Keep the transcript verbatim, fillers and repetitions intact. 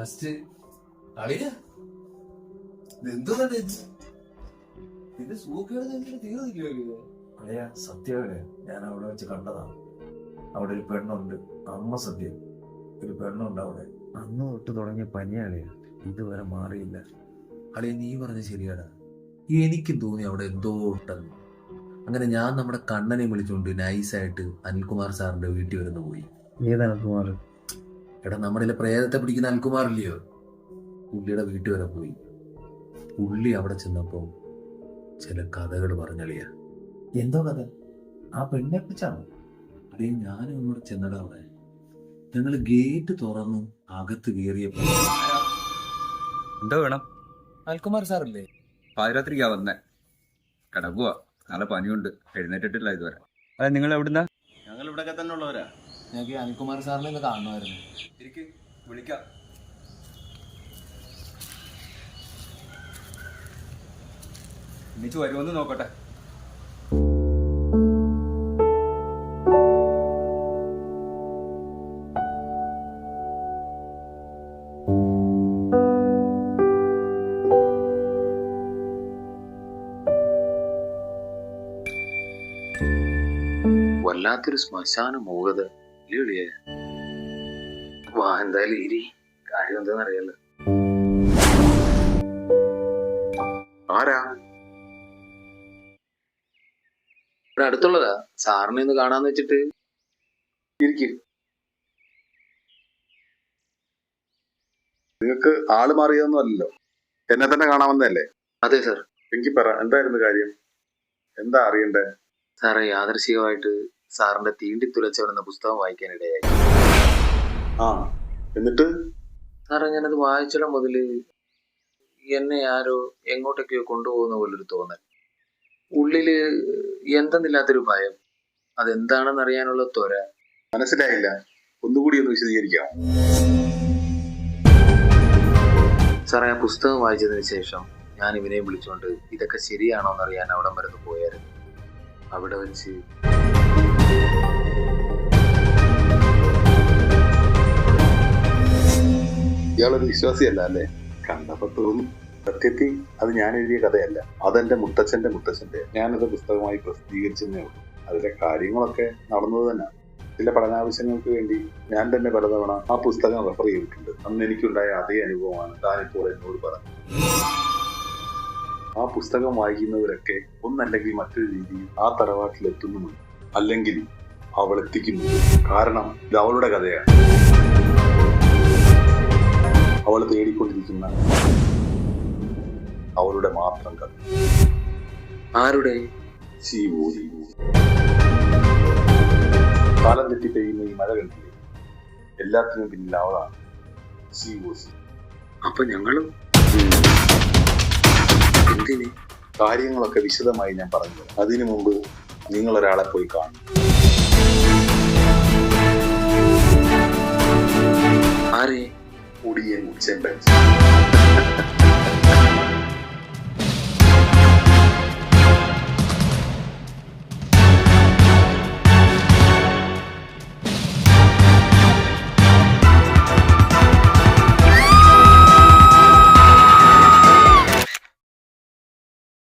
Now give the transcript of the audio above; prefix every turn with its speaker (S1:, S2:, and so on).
S1: Last അളിയ എന്തോ നിന്റെ സൂക്കേട് തീർന്നില്ലല്ലോ.
S2: അളിയ സത്യമല്ലേ, ഞാൻ അവിടെ വെച്ച് കണ്ടതാണ്. അവിടെ ഒരു പെണ്ണുണ്ട്, അമ്മ സത്യം. ഒരു പെണ്ണുണ്ട് അവിടെ. അന്ന് തൊട്ട് തുടങ്ങിയ പനിയാളിയ, ഇതുവരെ മാറിയില്ല.
S1: അളിയ നീ പറഞ്ഞ ശരിയാടാ, എനിക്കും തോന്നി അവിടെ എന്തോ ഉണ്ടെന്ന്. അങ്ങനെ ഞാൻ നമ്മുടെ കണ്ണനെ വിളിച്ചുകൊണ്ട് നൈസായിട്ട് അനിൽകുമാർ സാറിന്റെ വീട്ടിൽ വരുന്ന പോയി.
S2: ഏത് അനിൽകുമാർ?
S1: എടാ നമ്മുടെ പ്രേതത്തെ പിടിക്കുന്ന അനിൽകുമാർ ഇല്ലയോ, പുള്ളിയുടെ വീട്ടിൽ വരെ പോയി. പുള്ളി അവിടെ ചെന്നപ്പം ചില കഥകൾ പറഞ്ഞളിയ.
S2: എന്തോ കഥ? ആ പെണ്ണെ കുറിച്ചാണ്.
S1: അടേ ഞാനും അങ്ങോട്ട് ചെന്നടാ. അവിടെ ഞങ്ങൾ ഗേറ്റ് തുറന്നു അകത്ത് കയറിയപ്പോ
S3: എന്തോ വേണം?
S1: അനിൽകുമാർ സാറല്ലേ?
S3: പാതിരാത്രിക്കാ വന്നേ, കിടക്കുക. നല്ല പനിയുണ്ട്, എഴുന്നേറ്റിട്ടില്ല ഇതുവരെ. അതെ, നിങ്ങൾ എവിടുന്നാ?
S4: ഞങ്ങൾ ഇവിടെയൊക്കെ തന്നെ ഉള്ളവരാ.
S1: ഞങ്ങൾക്ക് അനിൽകുമാർ സാറിനെ ഒന്ന് കാണുമായിരുന്നു.
S3: എനിക്ക് വിളിക്കാം. എണീച്ച് വരുമെന്ന് നോക്കട്ടെ.
S1: വല്ലാത്തൊരു ശ്മശാന മൂകത ഇല്ലേ? വാ, എന്തായാലും ഇരി, കാര്യം എന്താന്ന് അറിയാലോ. ആരാ? ഇവിടെ അടുത്തുള്ളതാ, സാറിനെ ഒന്ന് കാണാന്ന് വെച്ചിട്ട്.
S4: ഇരിക്കും. നിങ്ങൾക്ക് ആള് മാറിയതൊന്നും അല്ലല്ലോ, എന്നെ തന്നെ കാണാമെന്നല്ലേ?
S1: അതെ സാർ.
S4: എനിക്ക് പറ, എന്തായിരുന്നു കാര്യം? എന്താ അറിയണ്ടേ?
S1: സാറേ, യാദൃശികമായിട്ട് സാറിന്റെ തീണ്ടി തുലച്ചവൻ എന്ന പുസ്തകം വായിക്കാനിടയായി.
S4: ആ, എന്നിട്ട്?
S1: സാറേ, ഞാനത് വായിച്ചിടം മുതല് എന്നെ ആരോ എങ്ങോട്ടൊക്കെയോ കൊണ്ടുപോകുന്ന പോലൊരു തോന്നൽ, ഉള്ളില് എന്തെന്നില്ലാത്തൊരു ഭയം, അതെന്താണെന്ന് അറിയാനുള്ള ത്വര.
S4: മനസ്സിലായില്ല, ഒന്നുകൂടി ഒന്ന് വിശദീകരിക്കാം.
S1: സാറേ, ആ പുസ്തകം വായിച്ചതിന് ശേഷം ഞാൻ ഇവനെ വിളിച്ചുകൊണ്ട് ഇതൊക്കെ ശരിയാണോ എന്നറിയാൻ അവിടം വരെ പോയായിരുന്നു. അവിടെ വെച്ച്
S4: ഇയാളൊരു വിശ്വാസിയല്ല അല്ലേ? കണ്ടപ്പോ തോന്നും. സത്യത്തിൽ അത് ഞാൻ എഴുതിയ കഥയല്ല, അതെന്റെ മുത്തച്ഛന്റെ മുത്തച്ഛന്റെ. ഞാനത് പുസ്തകമായി പ്രസിദ്ധീകരിച്ചതേ ഉള്ളൂ. അതിലെ കാര്യങ്ങളൊക്കെ നടന്നത് തന്നെ. ചില പഠനാവശ്യങ്ങൾക്ക് വേണ്ടി ഞാൻ തന്നെ പലതവണ ആ പുസ്തകം റെഫർ ചെയ്തിട്ടുണ്ട്. അന്ന് എനിക്കുണ്ടായ അതേ അനുഭവമാണ് താനിപ്പോൾ എന്നോട് പറഞ്ഞത്. ആ പുസ്തകം വായിക്കുന്നവരൊക്കെ ഒന്നല്ലെങ്കിൽ മറ്റൊരു രീതിയിൽ ആ തറവാട്ടിലെത്തുന്നുമുണ്ട്, അല്ലെങ്കിൽ അവൾ എത്തിക്കുന്നുണ്ട്. കാരണം ഇത് അവളുടെ കഥയാണ്, അവൾ തേടിക്കൊണ്ടിരിക്കുന്ന അവളുടെ മാത്രം കഥ.
S1: ആരുടെ?
S4: ശിവോ ശിവോ. കാലം തെറ്റി പെയ്യുന്ന ഈ മഴ കണ്ടില്ലേ, എല്ലാത്തിനും പിന്നിൽ അവളാണ്. ശിവോ ശിവോ.
S1: അപ്പൊ ഞങ്ങളും എന്തിന്?
S4: കാര്യങ്ങളൊക്കെ വിശദമായി ഞാൻ പറഞ്ഞു. അതിനു മുമ്പ് നിങ്ങൾ ഒരാളെ പോയി കാണും.
S1: ആരെ?
S4: ഒടിയൻ ഉച്ചൻ